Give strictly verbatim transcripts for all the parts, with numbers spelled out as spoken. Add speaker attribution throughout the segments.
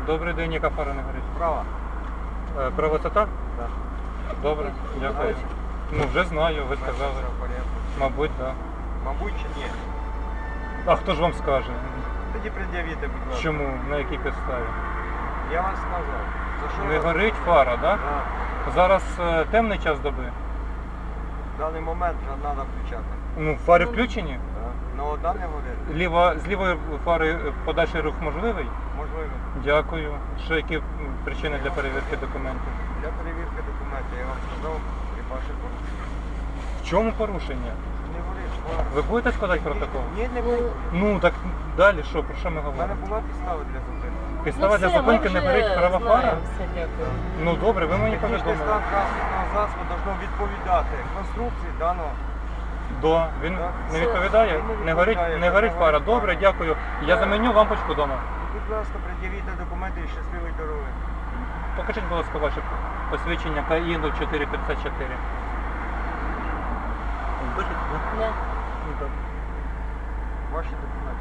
Speaker 1: Добрий день, яка фара не горить?
Speaker 2: Права.
Speaker 1: Е, Права це так?
Speaker 2: Так.
Speaker 1: Добре, дякую. Ну вже знаю, ви сказали. Мабуть, так.
Speaker 2: Мабуть чи ні?
Speaker 1: А хто ж вам скаже?
Speaker 2: Тоді пред'явіте, будь ласка.
Speaker 1: Чому? На якій підставі?
Speaker 2: Я вам сказав. За що
Speaker 1: Не
Speaker 2: ви-
Speaker 1: горить фара, так? Да?
Speaker 2: Так.
Speaker 1: Зараз е, темний час доби.
Speaker 2: В даний момент вже треба включати.
Speaker 1: Ну, фари включені.
Speaker 2: Так. Ну, одна не горить.
Speaker 1: Ліва, з лівої фари е, подальший рух можливий?
Speaker 2: Можливо.
Speaker 1: Дякую. Ще які м, причини для перевірки документів?
Speaker 2: Для перевірки документів я вам сказав і ваше порушення.
Speaker 1: В чому порушення?
Speaker 2: Не горить фара.
Speaker 1: Ви будете складати протокол?
Speaker 2: Ні, не буду.
Speaker 1: Ну так далі що, про що ми
Speaker 2: У мене
Speaker 1: говоримо?
Speaker 2: була підстава для зупинки.
Speaker 1: Підстава
Speaker 3: Ну,
Speaker 1: для
Speaker 3: все,
Speaker 1: зупинки
Speaker 3: ми
Speaker 1: не
Speaker 3: вже
Speaker 1: горить права фара?
Speaker 3: знаємо все, дякую.
Speaker 1: Ну добре, ви мені
Speaker 2: Технічний
Speaker 1: повідомили.
Speaker 2: стан транспортного засобу должно відповідати конструкції даного.
Speaker 1: Да, він
Speaker 2: Так.
Speaker 1: не
Speaker 3: Все.
Speaker 1: відповідає?
Speaker 2: Він не
Speaker 1: Не горить,
Speaker 2: відповідає,
Speaker 1: не горить
Speaker 2: не
Speaker 1: фара.
Speaker 2: горить
Speaker 1: Добре,
Speaker 2: фара.
Speaker 1: дякую. Я
Speaker 2: Так.
Speaker 1: заменю лампочку вдома.
Speaker 2: Будь ласка, пред'явіть документи і щасливої дороги.
Speaker 1: Покажіть, будь ласка, ваше посвідчення КАІ нуль чотири п'ятдесят чотири. Бачите, да?
Speaker 3: Да.
Speaker 1: Ну, так.
Speaker 2: Ваші документи.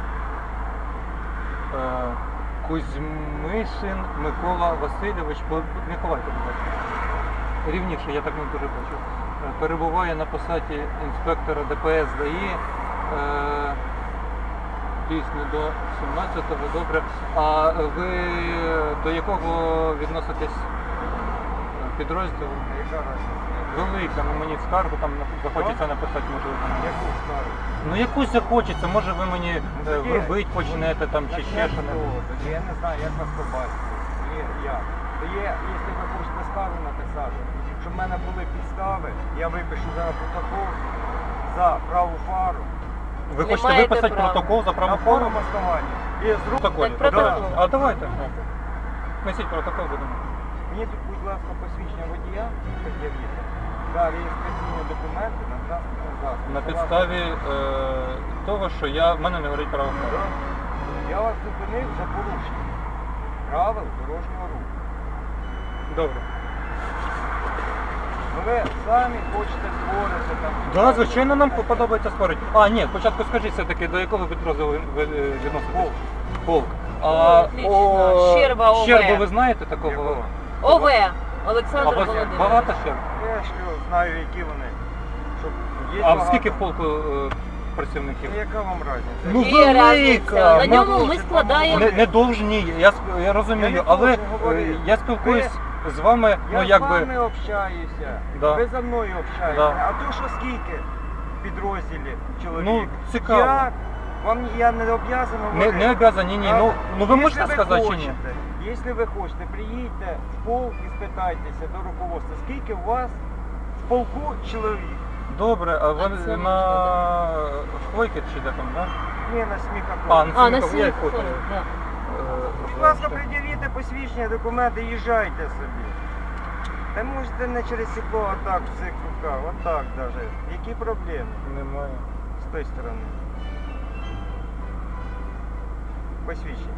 Speaker 1: Е, Кузьмишин Микола Васильович, бо- не ховайте, будь ласка. Рівніше, я так не дуже бачу. Е, Перебуває на посаді інспектора ДПС ДАІ. Е, Дійсно до сімнадцятого, добре. А ви до якого відноситесь підрозділу?
Speaker 2: Яка разниця?
Speaker 1: Велика, ну мені скаргу там захочеться написати, можливо.
Speaker 2: Яку скаргу?
Speaker 1: Ну якусь захочеться, може ви мені е,
Speaker 2: тоді-
Speaker 1: вробити почнете там чи ще що небудь.
Speaker 2: Тоді я не знаю, як вас побачити. Тоді як? То є, якщо ви хочете скаргу написати, щоб в мене були підстави, я випишу зараз протокол за праву фару.
Speaker 1: Ви
Speaker 3: Не
Speaker 1: хочете
Speaker 3: маєте
Speaker 1: виписати
Speaker 3: права.
Speaker 1: протокол за
Speaker 2: На
Speaker 1: праву фору?
Speaker 2: повному основанні. І з рук.
Speaker 1: Протоколі.
Speaker 3: Так, протокол.
Speaker 1: Да. А давайте. Несіть протокол, будемо.
Speaker 2: Мені тут, будь ласка, посвідчення водія пред'явіться. Та реєстраційні документи на транспортний засіб.
Speaker 1: На підставі е, того, що я, в мене не горить право фору.
Speaker 2: Я вас зупинив за порушення правил дорожнього руху.
Speaker 1: Добре.
Speaker 2: Ну ви самі хочете створити там.
Speaker 1: Да, звичайно, нам подобається спорити. А, ні, спочатку скажіть все-таки, до якого підрозділу ви ви, е, відноситесь?
Speaker 2: Полк.
Speaker 1: Полк. А,
Speaker 3: Отлично. Щерба ОВ.
Speaker 1: Щербу ви знаєте такого?
Speaker 2: Якого?
Speaker 3: ОВ.
Speaker 1: А
Speaker 3: Олександр
Speaker 1: вас
Speaker 3: Володимирович.
Speaker 1: багато щерб?
Speaker 2: Я ж знаю, які вони. Щоб є
Speaker 1: А
Speaker 2: багато.
Speaker 1: скільки в полку е, працівників?
Speaker 2: Ну, яка вам разниця?
Speaker 1: Ну,
Speaker 3: Є
Speaker 1: велика.
Speaker 3: разниця. На
Speaker 1: Ну,
Speaker 3: ньому ми складаємо.
Speaker 1: Не, не довжні, я, сп- я розумію,
Speaker 2: Я не
Speaker 1: але
Speaker 2: должен
Speaker 1: е,
Speaker 2: говорити.
Speaker 1: я спілкуюсь з вами, ну
Speaker 2: Я
Speaker 1: якби.
Speaker 2: з вами общаюся,
Speaker 1: Да.
Speaker 2: ви за мною общаєтеся.
Speaker 1: Да.
Speaker 2: А то що скільки в підрозділі чоловік?
Speaker 1: Ну, цікаво.
Speaker 2: Я, вам я не обов'язаний
Speaker 1: Не,
Speaker 2: говорити.
Speaker 1: не обязані, ні.
Speaker 2: А,
Speaker 1: Ну, ну ви
Speaker 2: якщо
Speaker 1: можете сказати чи ні?
Speaker 2: хочете, Якщо ви хочете, приїдьте в полк і спитайтеся до руководства, скільки у вас в полку чоловік?
Speaker 1: Добре, а ви
Speaker 3: це
Speaker 1: на
Speaker 3: можна,
Speaker 1: Хвойки чи де там, так?
Speaker 2: Ні, на сміхах.
Speaker 1: А, на
Speaker 3: А, на
Speaker 1: Сміхов, я
Speaker 3: сім.
Speaker 1: фото.
Speaker 3: Да.
Speaker 2: Будь ласка, пред'явіть посвідчення, документи, їжджайте собі. Та можете не через сікло, а так в цих руках, отак навіть. Які проблеми
Speaker 1: Немає.
Speaker 2: з тої сторони? Посвідчення.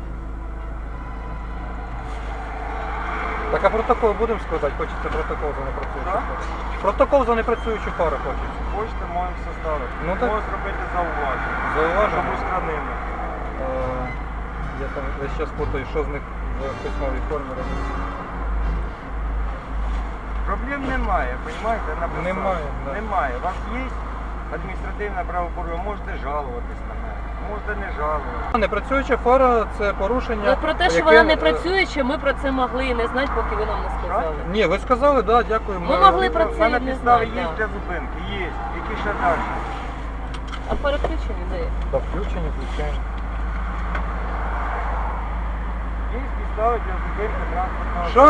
Speaker 1: Так а протокол будемо складати? Хочеться протокол за непрацюючу
Speaker 2: Так?
Speaker 1: фару. Протокол за непрацюючу фару хочеться.
Speaker 2: Хочете, можемо составити.
Speaker 1: Ну, так.
Speaker 2: Можу зробити зауваження.
Speaker 1: Зауваження?
Speaker 2: Щоб устранили.
Speaker 1: Е, Я там весь час путаю, що з них в письмовій формі робиться.
Speaker 2: Проблем немає, розумієте? Написав.
Speaker 1: Немає, да.
Speaker 2: Немає. У вас є адміністративне правопорушення, можете жалуватись на мене, можете не жалуватися.
Speaker 1: Непрацююча фара це порушення.
Speaker 3: Ну, про те, що
Speaker 1: яке,
Speaker 3: вона не
Speaker 1: е,
Speaker 3: працююча, ми про це могли і не знати, поки ви нам не сказали.
Speaker 1: Ні, ви сказали, так, да, дякую.
Speaker 3: Ми могли про
Speaker 2: У
Speaker 3: це
Speaker 2: мене
Speaker 3: не
Speaker 2: підстави
Speaker 3: знати,
Speaker 2: є
Speaker 3: да.
Speaker 2: для зупинки, є. Які ще далі?
Speaker 3: А переключені де?
Speaker 1: Да, включені, включаємо.
Speaker 2: Є підстави для зупинки транспортного.
Speaker 1: Що?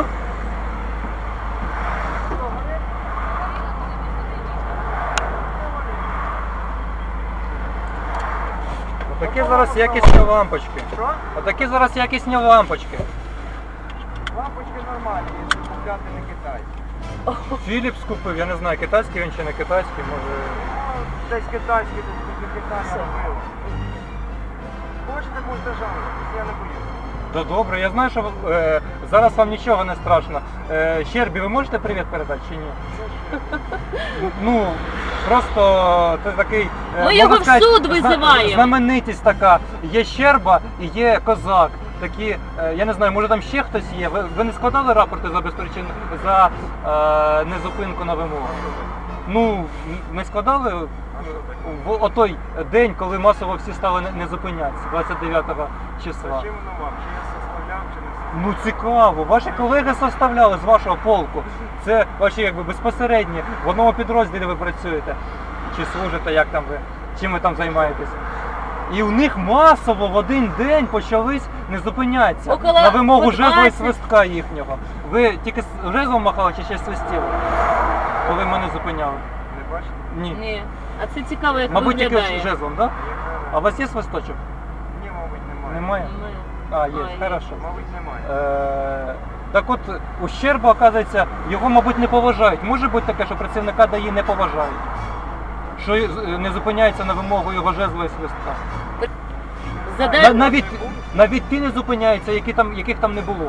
Speaker 1: Отакі зараз якісні лампочки.
Speaker 2: Що?
Speaker 1: Отакі зараз якісні лампочки.
Speaker 2: Лампочки нормальні, якщо купляти не китайські.
Speaker 1: Філіпс купив, я не знаю, китайський він чи не китайський, може.
Speaker 2: Ну, десь китайські, десь після Китаю робили. Хочете, можете жалуватись, я не боюсь.
Speaker 1: Да добре, я знаю, що е, зараз вам нічого не страшно. Е, Щербі, ви можете привіт передати чи ні? Ну, просто ти такий... е,
Speaker 3: Ми
Speaker 1: можна
Speaker 3: його в
Speaker 1: сказати,
Speaker 3: суд
Speaker 1: зна-
Speaker 3: визиваємо.
Speaker 1: Знаменитість така. Є Щерба і є Козак. такі, е, я не знаю, може там ще хтось є. Ви, ви не складали рапорти за безпричин за е, незупинку на вимогу? Ну, ми складали
Speaker 2: А що таке?
Speaker 1: в отой день, коли масово всі стали не, не зупинятися, двадцять дев'ятого числа.
Speaker 2: Зачем воно вам? Чи я составляв, чи не составляв?
Speaker 1: Ну цікаво, ваші колеги составляли з вашого полку. Це ваші якби безпосередні, в одному підрозділі ви працюєте. Чи служите, як там ви, чим ви там займаєтесь. І у них масово в один день почались не зупинятися
Speaker 3: Около
Speaker 1: на вимогу жезла і
Speaker 3: двадцять.
Speaker 1: свистка їхнього. Ви тільки з жезлом махали чи ще свистіли, коли мене зупиняли?
Speaker 2: Не бачите?
Speaker 1: Ні.
Speaker 3: Ні. А це цікаво, як
Speaker 1: Мабуть, тільки
Speaker 3: виглядає.
Speaker 1: з жезлом, так? Да?
Speaker 2: Яка
Speaker 1: А у вас є свисточок?
Speaker 2: Ні, мабуть, немає.
Speaker 1: Немає?
Speaker 3: Немає.
Speaker 1: А, є,
Speaker 3: А, є.
Speaker 1: хорошо.
Speaker 2: Мабуть, немає.
Speaker 1: Е, так от, ущерба, оказується, його, мабуть, не поважають. Може бути таке, що працівника ДАІ не поважають. Що е, не зупиняється на вимогу його жезла і свистка.
Speaker 3: Задай...
Speaker 1: На- навіть, навіть ті не зупиняються, які там, яких там не було.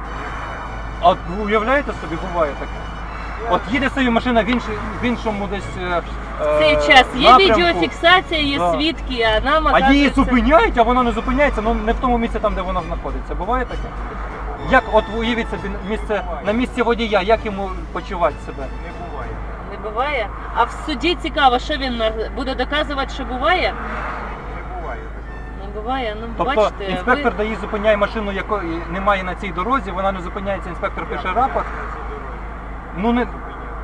Speaker 1: А от ви уявляєте собі, буває таке? От їде собі машина в, іншій, в іншому десь е,
Speaker 3: В цей час є
Speaker 1: напрямку,
Speaker 3: відеофіксація, є
Speaker 1: Да.
Speaker 3: свідки, а нам
Speaker 1: а її
Speaker 3: оказується-
Speaker 1: зупиняють, а вона не зупиняється, ну не в тому місці, там, де вона знаходиться. Буває таке? Як, от уявіть собі місце, на місці водія, як йому почувати себе?
Speaker 2: Не буває.
Speaker 3: Не буває. А в суді цікаво, що він на- буде доказувати, що буває?
Speaker 2: Не буває такого.
Speaker 3: Не буває. Ну,
Speaker 1: Тобто
Speaker 3: бачите,
Speaker 1: інспектор
Speaker 3: ви...
Speaker 1: ДАІ зупиняє машину, якої немає на цій дорозі, вона не зупиняється, інспектор пише рапорт.
Speaker 2: На цій дорозі.
Speaker 1: Ну не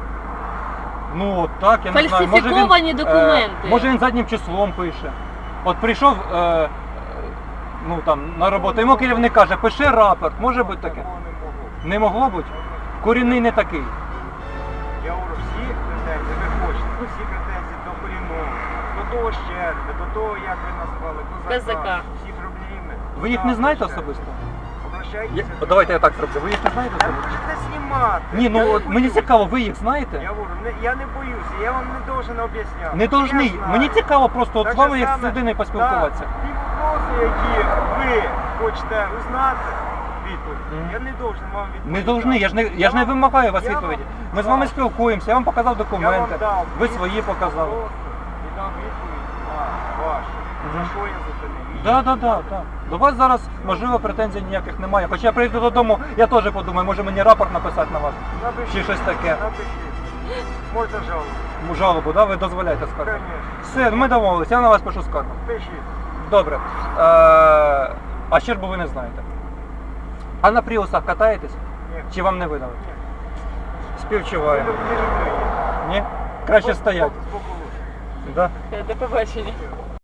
Speaker 1: ну от так, я не знаю. Може він,
Speaker 3: Фальсифіковані документи.
Speaker 1: Е, може він заднім числом пише. От прийшов е, е, ну там на роботу, йому керівник каже, пиши рапорт. Може бути таке?
Speaker 2: Такого не могло.
Speaker 1: Не могло бути? Корінний не такий.
Speaker 2: Я говорю, всі претензії, ви хочете, всі претензії до корінного, до того щерби, до того, як ви назвали, козака,
Speaker 3: Козака.
Speaker 2: всі проблеми.
Speaker 1: Ви їх не знаєте особисто? Я,
Speaker 2: Обращайтеся.
Speaker 1: от давайте я так зроблю. Ви їх не знаєте
Speaker 2: Та
Speaker 1: особисто?
Speaker 2: можете знімати.
Speaker 1: Ні,
Speaker 2: Я
Speaker 1: ну
Speaker 2: не
Speaker 1: от мені
Speaker 2: боюсь.
Speaker 1: цікаво, ви їх знаєте?
Speaker 2: Я говорю, не, я не боюся, я вам не должен об'ясняти.
Speaker 1: Не должний.
Speaker 2: Я знаю.
Speaker 1: Мені цікаво просто от
Speaker 2: Так
Speaker 1: з вами
Speaker 2: же
Speaker 1: як з
Speaker 2: саме,
Speaker 1: людиною поспілкуватися.
Speaker 2: так, ті вопроси, які ви хочете узнати, відповідь,
Speaker 1: Мгм.
Speaker 2: я не должен вам відповідати.
Speaker 1: Не должны, я ж не, я ж не
Speaker 2: вам-
Speaker 1: вимагаю вас
Speaker 2: я вам
Speaker 1: відповіді. Ми з вами
Speaker 2: дав-
Speaker 1: спілкуємося, я вам показав
Speaker 2: я вам
Speaker 1: документи,
Speaker 2: дав
Speaker 1: ви
Speaker 2: відповідь
Speaker 1: свої
Speaker 2: на
Speaker 1: показали.
Speaker 2: просто І дав відповідь на вашу.
Speaker 1: Мгм.
Speaker 2: За що я зупинив?
Speaker 1: Так, так, так, так. До вас зараз, можливо, претензій ніяких немає. Хоча я прийду додому, я теж подумаю, може мені рапорт написати на вас.
Speaker 2: Напишіть.
Speaker 1: Чи щось таке.
Speaker 2: Напишіть. Можна жалобу.
Speaker 1: Жалобу, да? Ви дозволяєте скаргу?
Speaker 2: Конечно.
Speaker 1: Все, ми домовилися, я на вас пишу скаргу.
Speaker 2: Пишіть.
Speaker 1: Добре. Е, а щербу ви не знаєте. А на пріусах катаєтесь?
Speaker 2: Ні.
Speaker 1: Чи вам не видали?
Speaker 2: Ні.
Speaker 1: Співчуваю.
Speaker 2: Не люблю її.
Speaker 1: Ні? Краще стоять.
Speaker 2: Збоку лучше.
Speaker 1: Да?
Speaker 3: До побачення.